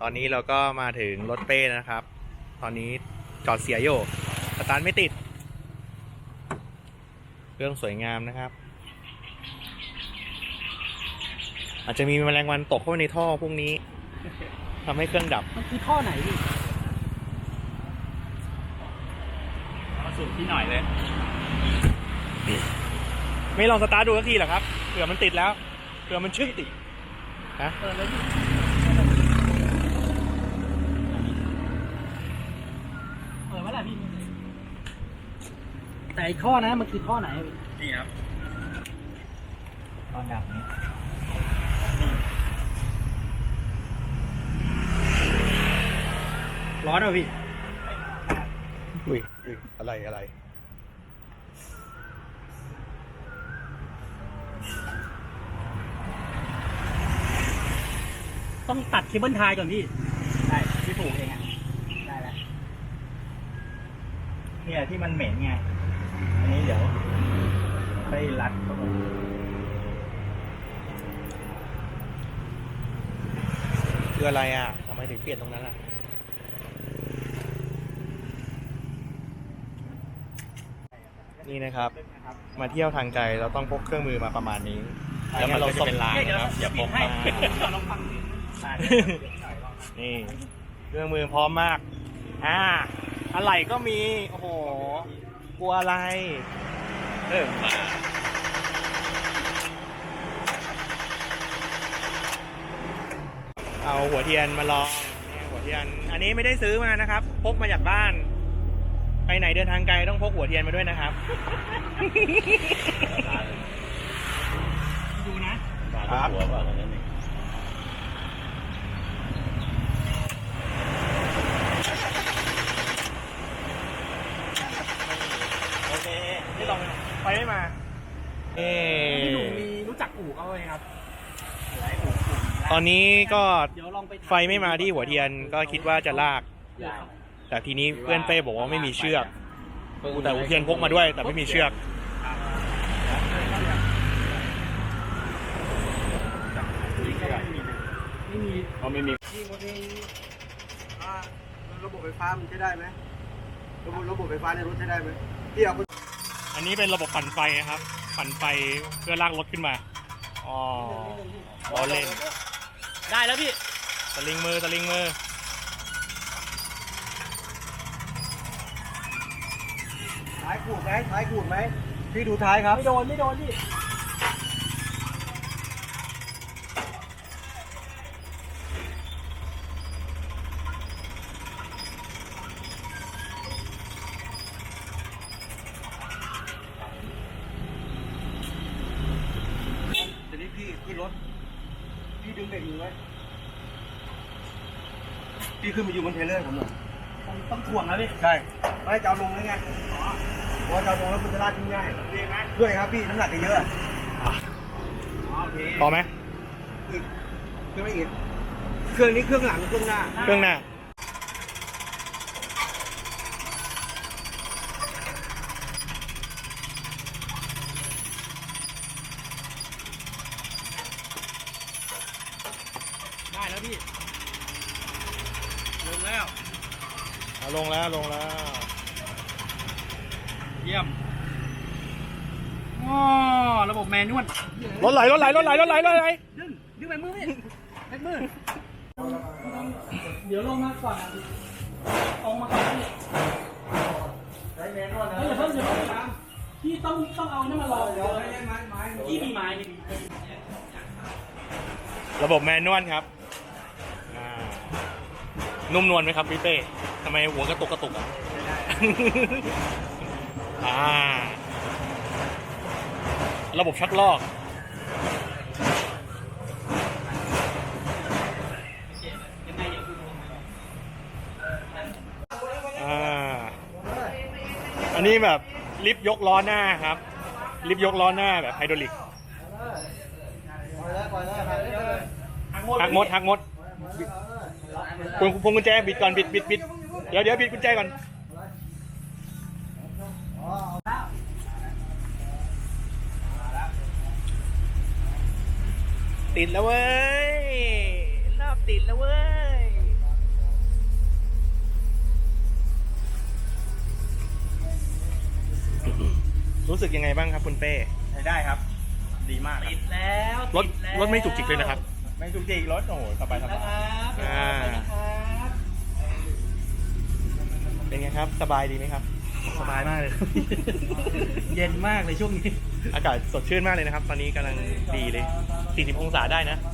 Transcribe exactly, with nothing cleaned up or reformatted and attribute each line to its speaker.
Speaker 1: อนนี้เราก็มาถึงรถเป้นะครับตอนนี้จอดเสียอยู่สตาร์ทไม่ติดเครื่องสวยงามนะครับอาจจะมีแมลงวันตกเข้าไปในท่อพวกนี้ทำให้เครื่องดับ
Speaker 2: มันคือท่อไหนพี่
Speaker 3: มาสูบที่หน่อยเลย
Speaker 1: ไม่ลองสตาร์ทดูสักทีเหรอครับเผื่อมันติดแล้วเผื่อมันชึ่งติดฮะ
Speaker 2: เปิดเลยพี่เปิดไว้แหละพี่แต่ท่อนะมันคือท่อไหน
Speaker 3: นี่ครับตอนดับนี้
Speaker 2: ร้อนเหรอพี่
Speaker 1: อุ้ยอุ้ยอะไรอะไร
Speaker 2: ต้องตัดเคเบิลไทยก่อนพี่ได้พี่ผูกเองอ่ะได้แล้ว
Speaker 3: เนี่ยที่มันเหม็นไงอันนี้เดี๋ยวไปรัดเข้าไป
Speaker 1: คืออะไรอ่ะทำไมถึงเปลี่ยนตรงนั้นล่ะนี่นะครับมาเที่ยวทางไกลเราต้องพกเครื่องมือมาประมาณนี้แล้วมันเราจะเป็นลางนะครับอย่าพกมานี่เครื่องมือพร้อมมากอ่าอะไรก็มีโอ้โหกลัวอะไรเออมาเอาหัวเทียนมาลองเนี่ยหัวเทียนอันนี้ไม่ได้ซื้อมานะครับพกมาจากบ้านไปไหนเดินทางไกลต้องพกหัวเทียนมาด้วยนะครับ
Speaker 2: ดู
Speaker 1: นะครับหัวป่ะนั่นเองโอเคไม่ต้องไปไม่มาเอ๊
Speaker 2: พี่หนุ่มมีรู้จักอู่เขาไหมครับ
Speaker 1: ตอนนี้ก็ไฟไม่มาที่หัวเทียนก็คิดว่าจะลากแต่ทีนี้เพื่อนเป้บอกว่าไม่มีเชือกแต่หัวเทียนพกมาด้วยแต่ไม่มีเชือก
Speaker 2: ไม่มี
Speaker 3: เขาไม่มี
Speaker 4: ที่คนนี้ระบบไฟฟ้ามันใช้ได้ไหมระบบระบบไฟฟ้าในรถใช้ได้ไหมที่เอา
Speaker 1: อันนี้เป็นระบบปั่นไฟนะครับปั่นไฟเพื่อลากรถขึ้นมาอ๋อล้อเล่น
Speaker 2: ได้แล้วพี่
Speaker 1: สลิงมือสลิงมือ
Speaker 4: ท้ายขูดไหมท้ายขูดไหมพี่ดูท้ายครับ
Speaker 2: ไม่โดนไม่โดนพี่
Speaker 4: ทีนี้พี่ขึ้นรถพี่ดึงเบรกมือไว้พี่ขึ้นมาอยู่บนเทรลเลอร์ผมหน่อย
Speaker 2: ต้องถ่วงนะพี่
Speaker 4: ใช่ไม่จะเอาลงแล้วไงพอจะเอาลงแล้วมันจะลากขึ้นง่ายด้วยครับพี่น้ำหนักจะเยอะ
Speaker 1: พอไหม
Speaker 4: อีกเครื่องไม่อีกเครื่องนี้เครื่องหลังเครื่องหน้า
Speaker 1: เครื่องหน้า
Speaker 2: ได้แล้วพี่ลงแล้ว
Speaker 1: ลงแล้วลงแล้ว
Speaker 2: เยี่ยมอ๋อระบบแมนนวล
Speaker 1: รถไหลรถไหลรถไหลรถไหลรถไหล
Speaker 2: ดึงดึงไปมือพี่แท็กมือเดี๋ยวลงมาก่อนออกมาก่อนพี่
Speaker 4: ใช้แมนนวลนะ
Speaker 2: อย่าเพิ่งอย่าเพิ่งตามพี่ต้องต้องเอานี่มาลอง
Speaker 4: เดี๋ยวให้ไม้ไม้
Speaker 2: พี่มีไม้มี
Speaker 1: ระบบแมนนวลครับนุ่มนวลไหมครับพี่เป้ทำไมหัวกระตุกกระตุกอ่ะอ่าระบบชักลอกอ่าอันนี้แบบลิฟต์ยกล้อหน้าครับลิฟต์ยกล้อหน้าแบบไฮดรอลิกหักมดหักมดพวงพวงกุญแจบิดก่อนบิดบิดบิดเดี๋ยวเดี๋ยวบิดกุญแจก่อนติดแล้วเว้ยรอบติดแล้วเว้ยสึกยังไงบ้างครับคุณเป้
Speaker 3: ใช้ได้ครับ ดีมากครับ
Speaker 2: ติดแล้ว
Speaker 1: รถ
Speaker 2: ติดแล้ว
Speaker 1: รถไม่จุกจิกเลยนะครับ
Speaker 3: ไม่จุกจิกรถโอ้โหสบายส
Speaker 2: นะ
Speaker 3: บา
Speaker 2: ค
Speaker 3: ย
Speaker 2: รับ
Speaker 1: อ่า
Speaker 2: ไปนะครับ
Speaker 1: เป็นไงครับ สบายดีไหมครับ
Speaker 2: สบายมากเลย เย็นมากเลยช่วงนี้
Speaker 1: อากาศสดชื่นมากเลยนะครับ ตอนนี้กำลังดีเลย สี่สิบ องศาได้นะ